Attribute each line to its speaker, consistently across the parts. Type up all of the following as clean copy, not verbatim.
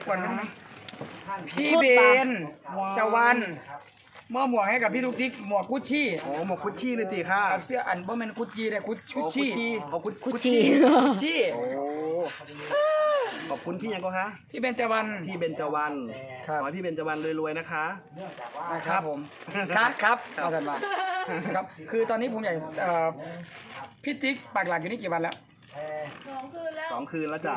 Speaker 1: ก่อนนะพี่เบนจวันมอบหมวกให้กับพี่ลูกทิกหมวกกุชชี่
Speaker 2: โอ้หมวกกุชชี่เลยตีค่ะ
Speaker 1: กับเสื้ออันบ่แม่นกุชชี่เลยกุชชี่
Speaker 2: กุชชี่
Speaker 1: กุชชี่
Speaker 2: โอ้ขอบคุณพี่ยังก็คะ
Speaker 1: พี่เบนจวัน
Speaker 2: พี่เบญจวรรณขอให้พี่เบญจวรรณรวยๆนะคะ
Speaker 1: นะครับผมครับเอากันมาครับคือตอนนี้ผมอยากพี่ติ๊กปักหลักอยู่นี่กี่วันแล้ว
Speaker 2: 2 คืนแล้วจ้ะ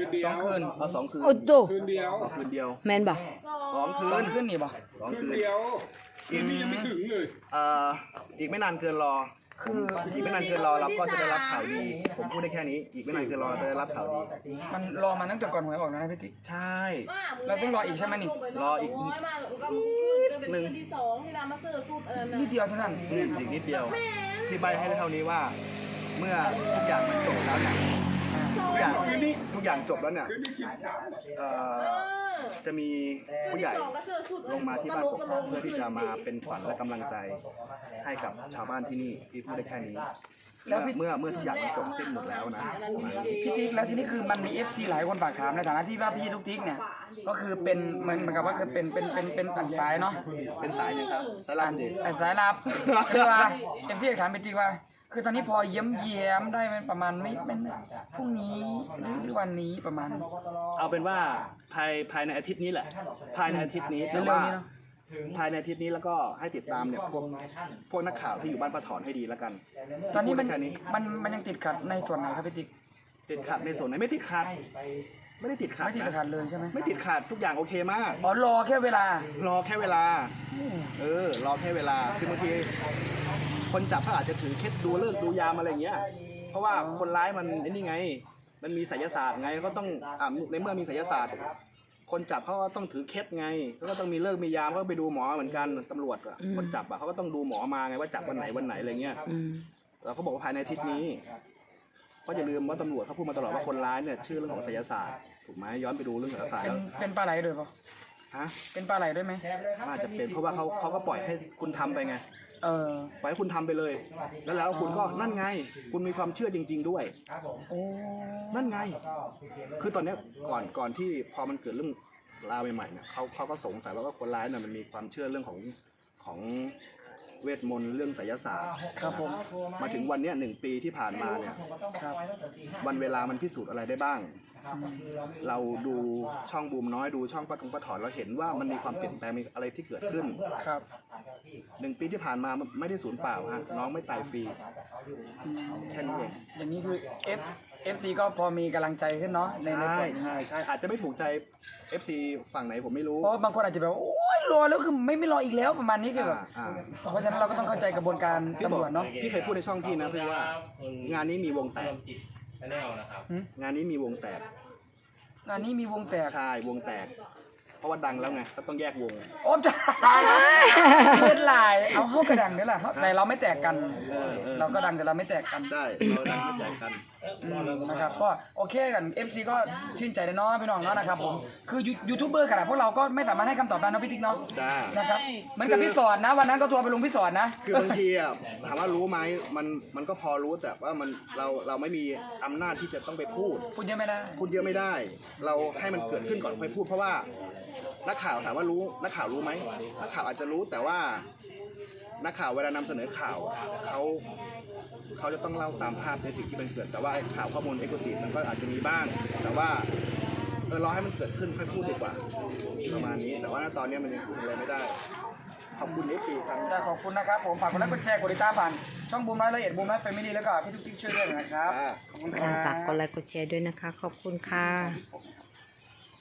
Speaker 1: 2 คืน
Speaker 2: เอา2 คืน
Speaker 3: โอ้โต
Speaker 4: คืนเดียว
Speaker 2: คืนเดียว
Speaker 3: แมนบ่
Speaker 2: 2 คื
Speaker 1: 2
Speaker 2: น
Speaker 1: คืนนี่บ่
Speaker 2: 2
Speaker 4: คืน
Speaker 2: คืน
Speaker 4: เดียวคืนนี้ยังไม่ถึงเลย
Speaker 2: อีกไม่นานเกินรอคืออีกไม่นานเกินรอเราก็จะได้รับข่าวดีผมพูดได้แค่นี้อีกไม่นานเกินรอเราจะได้รับข่าวดี
Speaker 1: มันรอมาตั้งแต่ก่อนหวยออกแล้วนะพี่ติ๊ก
Speaker 2: ใช่
Speaker 1: เราต้องรออีกใช่ไหมนี่
Speaker 2: รออีก
Speaker 4: หนึ่งที่สองที่เรามาซื้อสูตรอะไร
Speaker 1: นิดเดียวเท่านั้น
Speaker 2: อีกนิดเดียวพี่ใบให้เท่านี้ว่า เมื่อทุกอย่างมันจบแล้วเนี่ยทุกอย่างจบแล้วเนี่ย
Speaker 4: คืนนี้คืนที่สาม
Speaker 2: จะมีผู้ใหญ่ลงมาที่บ้านกกอกเพื่อที่จะมาเป็นขวัญและกำลังใจให้กับชาวบ้านที่นี่พี่พูดได้แค่นี้เมื่อทุกอย่างมันจบสิ้นหมดแล้วนะประมาณนี้
Speaker 1: พี่ติ๊กแล้วทีนี้คือมันมี FC หลายคนฝากถามในฐานะที่ว่าพี่ทุกติ๊กเนี่ยก็คือเป็นเหมือนกับว่าคือเป็นต่างสายเนาะ
Speaker 2: เป็นสายยังครับสายลับดิ
Speaker 1: สายลับคือว่า FC ถามพี่ติ๊กว่าคือตอนนี้พอเย้มได้มันประมาณไม่พรุ่งนี้หรือวันนี้ประมาณ
Speaker 2: เอาเป็นว่าภายในอาทิตย์นี้แหละภายในอาทิตย์นี้แต่
Speaker 1: เร็ว
Speaker 2: ว่า
Speaker 1: ๆนี้เนาะ
Speaker 2: ภายในอาทิตย์นี้แล้วก็ให้ติดตามเนี่ยพวกนักข่าวที่อยู่บ้านป้าถอนให้ดีแล้วกัน
Speaker 1: ตอนนี้
Speaker 2: พูดได้แค่นี้
Speaker 1: มันยังติดขัดในส่วนไหนครับพี่ติ๊ก
Speaker 2: ติดขัดในส่วนไหนไม่ติดขัดไม่ได้ติดขัด
Speaker 1: ไม่ติด
Speaker 2: นะ
Speaker 1: ขัดเลยใช่ไหม
Speaker 2: ไม่ติดขัดทุกอย่างโอเคมาก
Speaker 1: อ๋อรอแค่เวลา
Speaker 2: รอแค่เวลา รอแค่เวลา คือบางทีคนจับเขาอาจจะถือเคล็ดดูเลิกดูยามอะไรอย่างเงี้ย เพราะว่าคนร้ายมันไอ้นี่ไง มันมีไสยศาสตร์ไงก็ต้องในเมื่อมีไสยศาสตร์ คนจับเขาก็ต้องถือเคล็ดไงเขาก็ต้องมีเลิกมียามก็ไปดูหมอเหมือนกันตำรวจอะคนจับอะเขาก็ต้องดูหมอมาไงว่าจับวันไหนอะไรเงี้ย เราก็บอกว่าภายในอาทิตย์นี้เพราะอย่าลืมว่าตำรวจเขาพูดมาตลอดว่าคนร้ายเนี่ยชื่อเรื่องของไสยศาสตร์ถูกไหมย้อนไปดูเรื่องไสยศาสตร์แล้ว
Speaker 1: เป็นปลาไหลด้วยปะ
Speaker 2: ฮะ
Speaker 1: เป็นปลาไหลด้วยไหม
Speaker 2: น่าจะเป็นเพราะว่าเขาก็ปล่อยให้คุณทำไปไง ปล่อยให้คุณทำไปเลย แล้วคุณก็นั่นไง คุณมีความเชื่อจริง ๆด้วย
Speaker 1: โอ้
Speaker 2: นั่นไง คือตอนเนี้ยก่อนที่พอมันเกิดเรื่องราวใหม่ๆเนี่ยเขาก็สงสัยว่าคนร้ายเนี่ยมันมีความเชื่อเรื่องของเวทมนต์เรื่องไสยศาสตร์
Speaker 1: ครับผม
Speaker 2: มาถึงวันเนี้ย1 ปีที่ผ่านมาเนี่ย
Speaker 1: ครับ
Speaker 2: วันเวลามันพิสูจน์อะไรได้บ้าง เราดูช่องบูมน้อยดูช่องป้าถอนเราเห็นว่ามันมีความเปลี่ยนแปลงมีอะไรที่เกิดขึ้น
Speaker 1: ครับ
Speaker 2: 1 ปีที่ผ่านมาไม่ได้สูญเปล่าฮะน้องไม่ตายฟรีแค่นี้เอง
Speaker 1: อย่างนี้คือ FC ก็พอมีกำลังใจขึ้นเนาะในส่วนนี้
Speaker 2: ใช่อาจจะไม่ถูกใจ FC ฝั่งไหนผมไม่รู้
Speaker 1: เพราะบางคนอาจจะแบบว่าโอ้ยรอแล้วคือไม่รออีกแล้วประมาณนี้คือแบบ
Speaker 2: อ่า
Speaker 1: เพราะฉะนั้นเราก็ต้องเข้าใจกระบวนการตำรวจเนาะ
Speaker 2: พี่เคยพูดในช่องพี่นะพี่ว่างานนี้มีวงแตกงานนี้มีวงแตก
Speaker 1: งานนี้มีวงแตก
Speaker 2: ใช่วงแตก เพราะว่าดังแล้วไงก็ต้องแยกวง
Speaker 1: โอ้จะเป็นลายเอาเข้ากระดังนี่แหละแต่เราไม่แตกกัน เราก็ดังแต่เราไม่แตกกัน
Speaker 2: ใช่เราดังไม่แตกกัน
Speaker 1: นะครับก็โอเคกัน FC ก็ชื่นใจเลยเนาะพี่น้องเนาะนะครับผมคือยูทูบเบอร์ขนาดพวกเราก็ไม่สามารถให้คำตอบได้นะพี่ติ๊กเนาะ
Speaker 2: จ้า
Speaker 1: นะครับเหมือนกับพี่สอนนะวันนั้นก็ทัวร์ไปลงพี่สอนนะ
Speaker 2: คือบางทีอ่ะถามว่ารู้ไหมมันก็พอรู้แต่ว่าเราไม่มีอำนาจที่จะต้องไปพูด
Speaker 1: พูดเยอะไม่ได้
Speaker 2: พูดเยอะไม่ได้ เราให้มันเกิดขึ้นก่อนค่อยพูดเพราะว่านักข่าวถามว่ารู้นักข่าวรู้ไหมนักข่าวอาจจะรู้แต่ว่านักข่าวเวลานำเสนอข่าวเขาจะต้องเล่าตามภาพในสิ่งที่มันเกิดแต่ว่าข่าวข้อมูลเอกสิทธิ์มันก็อาจจะมีบ้าง แต่ว่ารอให้มันเกิดขึ้นค่อยพูดดีกว่าประมาณนี้แต่ว่าตอนนี้มันยังพูดอะไรไม่ได้ขอบคุณFCครับ
Speaker 1: ขอบคุณนะครับผมฝากกดไลค์กดแชร์กดติดตามผ่านช่องบูมน้อยละเอียดบูมน้อยแฟมิลี่แล้วก็พี่ทุกท่านช่วยด้วยนะครับขอบคุณครับ
Speaker 3: ฝากกดไลค์กดแชร์ด้วยนะคะ ขอบคุณค่ะ